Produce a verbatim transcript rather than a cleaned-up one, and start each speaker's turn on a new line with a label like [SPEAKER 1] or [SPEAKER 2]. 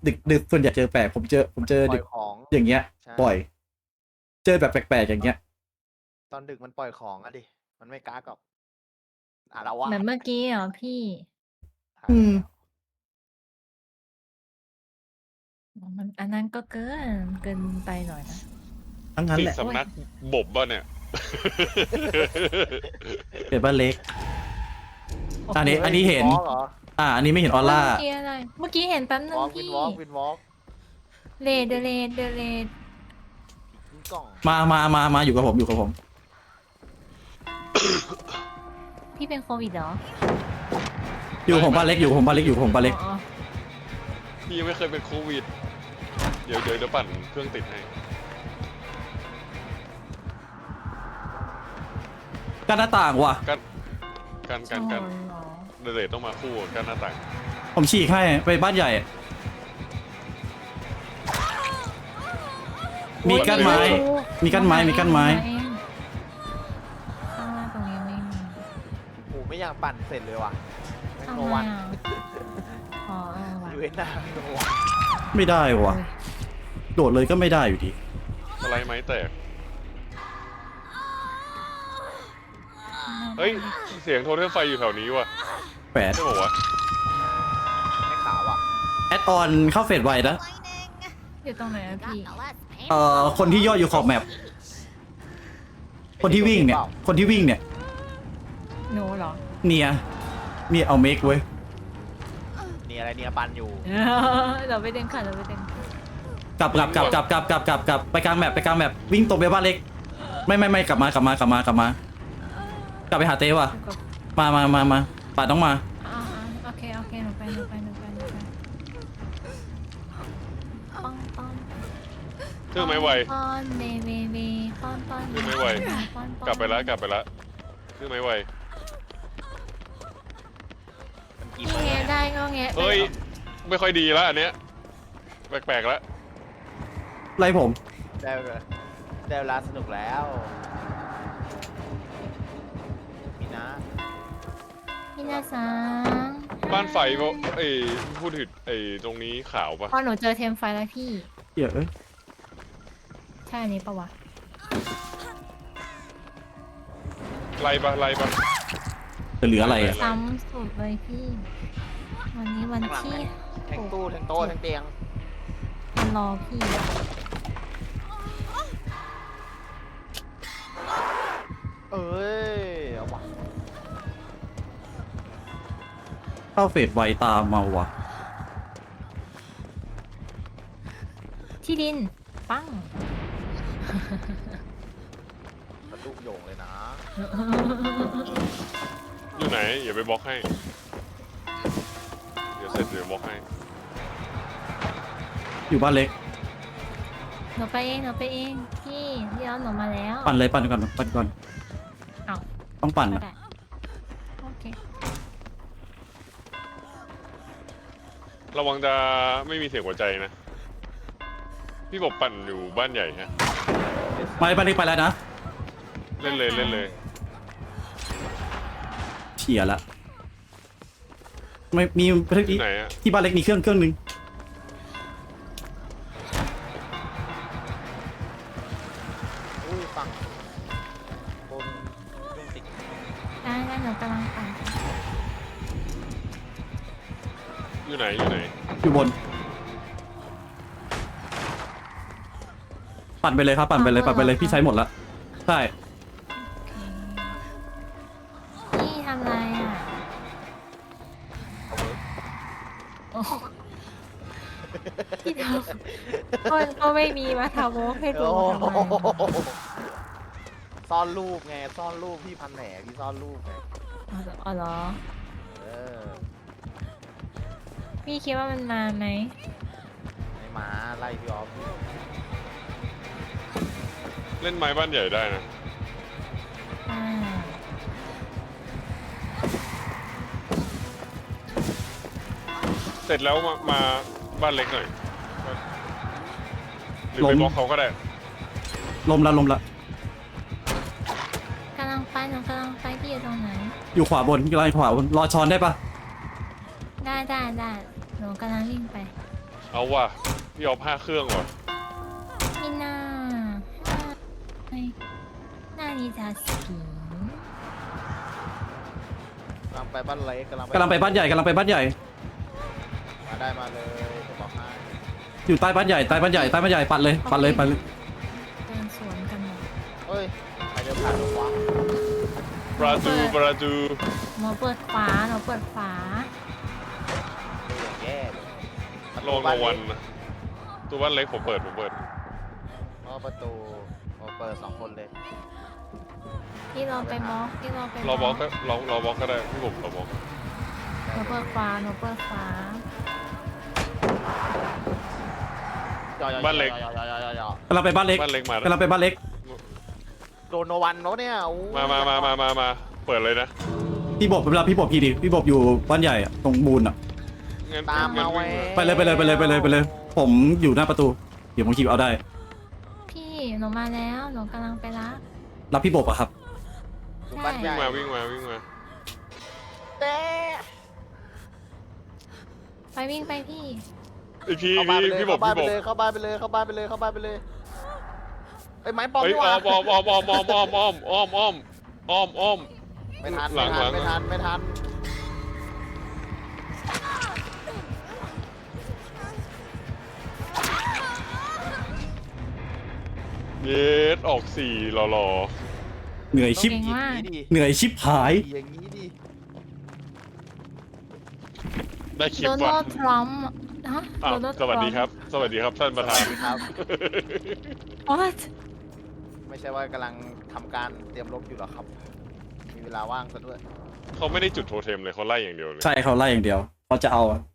[SPEAKER 1] ดึกดึกส่วนใหญ่เจอแปลกผมเจอผมเจอ
[SPEAKER 2] ปล่
[SPEAKER 1] ดึ
[SPEAKER 2] อย
[SPEAKER 1] ก
[SPEAKER 2] ของ
[SPEAKER 1] อย่างเงี้ย
[SPEAKER 2] ใช่
[SPEAKER 1] บ่อย เจอแบบแปลกๆอย่างเงี้ย
[SPEAKER 2] ตอนดึกมันปล่อยของอะดิ มันไม่ก๊ากหรอก อาละวา
[SPEAKER 3] เหมือน
[SPEAKER 2] ด
[SPEAKER 3] เมื่อกี้เหรอพี่?
[SPEAKER 2] ใช่
[SPEAKER 1] อืม
[SPEAKER 2] แล้ว
[SPEAKER 3] อ๋อ มัน อันนั้นก็เกิน เกินไปหน่อยนะ
[SPEAKER 1] ทั้งนั้น
[SPEAKER 4] ติ
[SPEAKER 1] แห
[SPEAKER 4] ด
[SPEAKER 1] ละ
[SPEAKER 4] สำนักบ่มเปล่าเนี่ย?
[SPEAKER 1] เกิดบ้านเล็ก
[SPEAKER 3] โอ้
[SPEAKER 1] อันนี้
[SPEAKER 2] เฮ้ย
[SPEAKER 1] อันนี้เห็น
[SPEAKER 2] Windwalk เหรอ?
[SPEAKER 1] อ่า อันนี้ไม่เห็นออ
[SPEAKER 3] เมื่
[SPEAKER 1] ร่า
[SPEAKER 3] อกี้อะไร เมื่อกี้เห็นแป๊บหนึ่ง
[SPEAKER 2] Windwalk
[SPEAKER 3] พี่
[SPEAKER 2] Windwalk Windwalk
[SPEAKER 3] Red The Red The Red
[SPEAKER 2] ผีกิ้งก่อง
[SPEAKER 1] มามามามาอยู่กับผม อยู่กับผม
[SPEAKER 3] พี่เป็นโควิดเหรอ?
[SPEAKER 1] อยู่กับผมบ้านเล็ก อยู่กับผมบ้านเล็ก อยู่กับผมบ้านเล็ก
[SPEAKER 3] อ๋อ
[SPEAKER 4] พี่ยังไม่เคยเป็นโควิด เดี๋ยว เดี๋ยว เดี๋ยวปั่นเครื่องติดให้
[SPEAKER 1] กั้นหน้าต่างว่ะ
[SPEAKER 4] กั้น กั้น
[SPEAKER 3] ๆ
[SPEAKER 4] กั้น กั้น
[SPEAKER 3] อ๋อเหรอ?
[SPEAKER 4] เรดต้องมาคู่กับกั้นหน้าต่าง
[SPEAKER 1] ผมฉีกให้ ไปบ้านใหญ่ มีกั้นไม้ มีกั้นไม้ มีกั้นไม้
[SPEAKER 3] ข้างล่างตรงนี้ไม่มี
[SPEAKER 2] โอ้โฮ ไม่อยากปั่นเสร็จเลยว่ะ แม่ง
[SPEAKER 3] ทำ
[SPEAKER 2] โน
[SPEAKER 3] ไม
[SPEAKER 2] วัน
[SPEAKER 3] อะ? อ๋อ เออว่ะ
[SPEAKER 2] ยูเอ็น น่ะ โนวัน
[SPEAKER 1] ไม่ได้ว่ะ
[SPEAKER 3] อุ๊ย
[SPEAKER 1] โดดเลยก็ไม่ได้อยู่ดี
[SPEAKER 4] สไลด์ไม้แตก เฮ้ย เสียงโทเทมไฟอยู่แถวนี้ว่ะ
[SPEAKER 1] แปด
[SPEAKER 4] ใช่เปล่าวะ?
[SPEAKER 2] ไม่ขาวอะ
[SPEAKER 1] แอดออนเข้าเฟสไวนะ
[SPEAKER 3] อยู่ตรงไหนอะพี่?
[SPEAKER 1] เอ่อ คนที่ย่ออยู่ขอบแมป คนที่วิ่งเนี่ย คนที่วิ่งเนี่ย
[SPEAKER 3] หนูเหรอ?
[SPEAKER 1] เนีย เนี่ยเอาเมคเว้ย
[SPEAKER 2] เนียอะไร เนียปั่นอยู่
[SPEAKER 3] เราไปดึงค่ะ เราไปดึง
[SPEAKER 1] กลับกลับกลับกลับกลับกลับกลับกลับไปกลางแมปไปกลางแมปวิ่งตรงไปบ้านเล็ก ไม่ไม่ไม่กลับมากลับมากลับมากลับมา กลับไปหาเต้ว่ะ
[SPEAKER 3] อยู่กับ
[SPEAKER 1] มามามามาป่าต้องมา
[SPEAKER 3] อาๆโอเค โอเค หนูไป หนูไป หนูไป หนูไป ป้องป้อง
[SPEAKER 4] เครื่องไม้ไว
[SPEAKER 3] ป้อนเบเบเบป้อนป้อน
[SPEAKER 4] เครื่องไม้ไว
[SPEAKER 3] ป้อนป้อน
[SPEAKER 4] กลับไปแล้ว กลับไปแล้ว เครื่องไม้ไว
[SPEAKER 2] มันกี่
[SPEAKER 3] พี่
[SPEAKER 2] เปอร์
[SPEAKER 3] แงะ
[SPEAKER 2] เนี่ย
[SPEAKER 3] ได้ก็แงะไป
[SPEAKER 4] เฮ้ย ไม่ค่อยดีแล้วอันเนี้ย แปลกๆแล้ว
[SPEAKER 1] ไล่ผม
[SPEAKER 2] ได้เวลา ได้เวลาสนุกแล้ว มีนะ
[SPEAKER 3] พี่นาซัง
[SPEAKER 4] บ้านไฟเปล่า ไอ้พูดถึงไอ้ตรงนี้ขาวปะ?
[SPEAKER 3] พอหนูเจอเทมไฟแล้วพี่
[SPEAKER 1] เหี้ยเอ้ย
[SPEAKER 3] ใช่อันนี้ปะวะ?
[SPEAKER 4] ไล่ปะ ไล่ปะ?
[SPEAKER 1] จะเหลืออะไรอะ
[SPEAKER 3] ซ้ำสุดเลยพี่ วันนี้วัน
[SPEAKER 2] ข้างหลัง
[SPEAKER 3] ที่
[SPEAKER 2] ไง แทงตู้ แทงโต๊ะ แทงเตียง
[SPEAKER 3] มันรอพี่อะ
[SPEAKER 2] เอ้ย เอาว่ะ
[SPEAKER 1] เข้าเฟสไวตามมาว่ะ
[SPEAKER 3] ที่ดิน ปั้ง
[SPEAKER 2] สะดุ้งโยงเลยนะ
[SPEAKER 4] อยู่ไหน อย่าไปบล็อกให้ เดี๋ยวเสร็จเดี๋ยวบล็อกให้
[SPEAKER 1] อยู่บ้านเล็ก
[SPEAKER 3] หนูไปเอง หนูไปเอง พี่พี่เอาหนูมาแล้ว
[SPEAKER 1] ปั่นเลยปั่นก่อนปั่นก่อน
[SPEAKER 3] อ้าว
[SPEAKER 1] ต้องปั่น
[SPEAKER 3] ก็
[SPEAKER 1] อะ
[SPEAKER 3] ได้ โอเค
[SPEAKER 4] ระวังจะไม่มีเสียงหัวใจนะ พี่บอกปั่นอยู่บ้านใหญ่ฮะ
[SPEAKER 1] ไปบ้านเล็กไปแล้วนะ
[SPEAKER 4] เล่นเลยเล่นเลย
[SPEAKER 1] เฉียละ ไม่มี
[SPEAKER 4] ที่ไหนอะ?
[SPEAKER 1] ที่บ้านเล็กมีเครื่องเครื่องนึง
[SPEAKER 2] อุ้ย ฝั่งบนเครื่องติด
[SPEAKER 3] ได้ได้หนูกำลังปั่น
[SPEAKER 4] อยู่ไหน อยู่ไหน?
[SPEAKER 1] อยู่บน ปั่นไปเลยครับ ปั่นไปเลย ปั่นไปเลย พี่ใช้หมดแล้ว ใช่
[SPEAKER 3] พี่ทำไรอะ?
[SPEAKER 2] เอาเวิร์ก
[SPEAKER 3] โอ้ พี่ทำ ก็ก็ไม่มีมาทำโม้ให้ดู
[SPEAKER 2] โอ้
[SPEAKER 3] ทำไม
[SPEAKER 2] โฮ
[SPEAKER 3] อะ?
[SPEAKER 2] ซ่อนรูปไง ซ่อนรูป พี่พันแหน พี่ซ่อนรูปไง
[SPEAKER 3] อ๋อ อ๋อเหรอ?
[SPEAKER 2] เออ
[SPEAKER 3] พี่คิดว่ามันมาไหม?
[SPEAKER 2] ไม่มา ไล่พี่ออฟอยู่
[SPEAKER 4] เล่นไม้บ้านใหญ่ได้นะ
[SPEAKER 3] อา
[SPEAKER 4] เสร็จแล้วมา มาบ้านเล็กหน่อย หรือไป
[SPEAKER 1] ล้ม
[SPEAKER 4] บล็อกเขาก็ได้
[SPEAKER 1] ลมละลมละ
[SPEAKER 3] กำลังไป หนูกำลังไป พี่อยู่ตรงไหน?
[SPEAKER 1] อยู่ขวาบน อยู่ไล่ขวาบน รอช้อนได้ปะ?
[SPEAKER 3] ได้ ได้ ได้ หนูกำลังวิ่งไป
[SPEAKER 4] เอาว่ะพี่เอาผ้าเครื่องว่ะ
[SPEAKER 3] みんなはい何じゃスピン
[SPEAKER 2] กำลังไปบ้านเล็กกำลัง
[SPEAKER 1] กำลังไปบ้านใหญ่กำลังไปบ้านใหญ่
[SPEAKER 2] มาได้มาเลยจะบอกให้
[SPEAKER 1] อยู่ใต้บ้านใหญ่ใต้บ้านใหญ่ใต้บ้านใหญ่ปัดเลยปัดเลยปัดเลย
[SPEAKER 3] เดินสวนกันหมด
[SPEAKER 2] เฮ้ยใครเดินผ่านหรอวะ
[SPEAKER 4] ประตูประตู
[SPEAKER 3] หนูเปิดขวาหนูเปิดขวา
[SPEAKER 2] ดูอย่างแย่เลย
[SPEAKER 4] ลงรางวัลนะตัวบ้านเล็กผมเปิดผมเปิด
[SPEAKER 2] เพราะประตูเราเปิดสองคนเลย
[SPEAKER 3] พี่เราไปมอกพี่เราไป
[SPEAKER 4] รอบล็อกก็รอรอบล็อกก็ได้พี่ผมรอบล็อก
[SPEAKER 3] หนูเปิดขวาหนูเปิดขวา
[SPEAKER 4] บ้านเล็ก
[SPEAKER 2] ย่อย่อย่อย่อย่อ
[SPEAKER 1] กำลังไปบ้านเล็ก
[SPEAKER 4] บ้านเล็กมาก
[SPEAKER 1] ำลังไปบ้านเล็ก
[SPEAKER 2] โดนโนวันแล้วเนี่ยอู้
[SPEAKER 4] มามามามามามาเปิดเลยนะ
[SPEAKER 1] พี่บบเวลาพี่บบพี่ดิพี่บบอยู่บ้านใหญ่อะตรงบูนอะ
[SPEAKER 4] งั้น
[SPEAKER 2] ตาม
[SPEAKER 4] งั้
[SPEAKER 2] มาน ไว้
[SPEAKER 4] วิ่ง
[SPEAKER 1] ไปเลยไปเลยไปเลยไปเลยไปเลย ผมอยู่หน้าประตูเดี๋ยวผมขี่เอาได้
[SPEAKER 3] พี่หนูมาแล้วหนูกำลังไปรับ
[SPEAKER 1] รับพี่บบอะครับ
[SPEAKER 2] ดูบ้านให
[SPEAKER 4] วิ่
[SPEAKER 2] ญ่
[SPEAKER 4] งมาวิ่งมาวิ่งมา
[SPEAKER 2] เต้
[SPEAKER 3] ไปวิ่งไปพี่
[SPEAKER 4] ไอพี่
[SPEAKER 2] เข้าบ้านไป
[SPEAKER 4] พี่
[SPEAKER 2] เลย
[SPEAKER 4] พี่บอ
[SPEAKER 2] เข้าก บ้าน
[SPEAKER 4] พี่
[SPEAKER 2] ไป
[SPEAKER 4] บอก
[SPEAKER 2] เลยเข้าบ้านไปเลยเข้าบ้านไปเลยเข้าบ้านไปเลยไอ้ยไม้ปอม
[SPEAKER 4] เฮ้ย
[SPEAKER 2] นี่ห
[SPEAKER 4] อ้
[SPEAKER 2] ว่า
[SPEAKER 4] อมอ้อมอ้อมอ้อมอ้อมอ้อมอ้อมอ้อมอ้อมอ้อมอ้อม
[SPEAKER 2] ไม่ทัน
[SPEAKER 4] หลั
[SPEAKER 2] ไม่
[SPEAKER 4] ง
[SPEAKER 2] ทัน
[SPEAKER 4] หลัง
[SPEAKER 2] ไม่ทันไม่ทัน
[SPEAKER 4] เยสออกสี่หล่อ
[SPEAKER 1] เหนื่อยชิบ
[SPEAKER 3] เก่งมาก
[SPEAKER 2] ดี
[SPEAKER 1] เหนื่อยชิบหาย
[SPEAKER 2] ดีอย่างนี้ดี
[SPEAKER 4] ๆได้คลิป
[SPEAKER 3] โดนั
[SPEAKER 4] ว่ะ
[SPEAKER 3] ลด์ทรัมป์ฮะ
[SPEAKER 4] อ้าว
[SPEAKER 3] โดนัลด์
[SPEAKER 4] สวัสดีครับ สวัสดีครับท่านประธาน
[SPEAKER 2] ครับ
[SPEAKER 3] What
[SPEAKER 2] ไม่ใช่ว่ากำลังทำการเตรียมรบอยู่หรอครับ มีเวลาว่างซะด้วย
[SPEAKER 4] เขาไม่ได้จุดโทเทมเลยเขาไล่อย่างเดียวเลย
[SPEAKER 1] ใช่เขาไล่อย่างเดียวเขาจะเอาอะ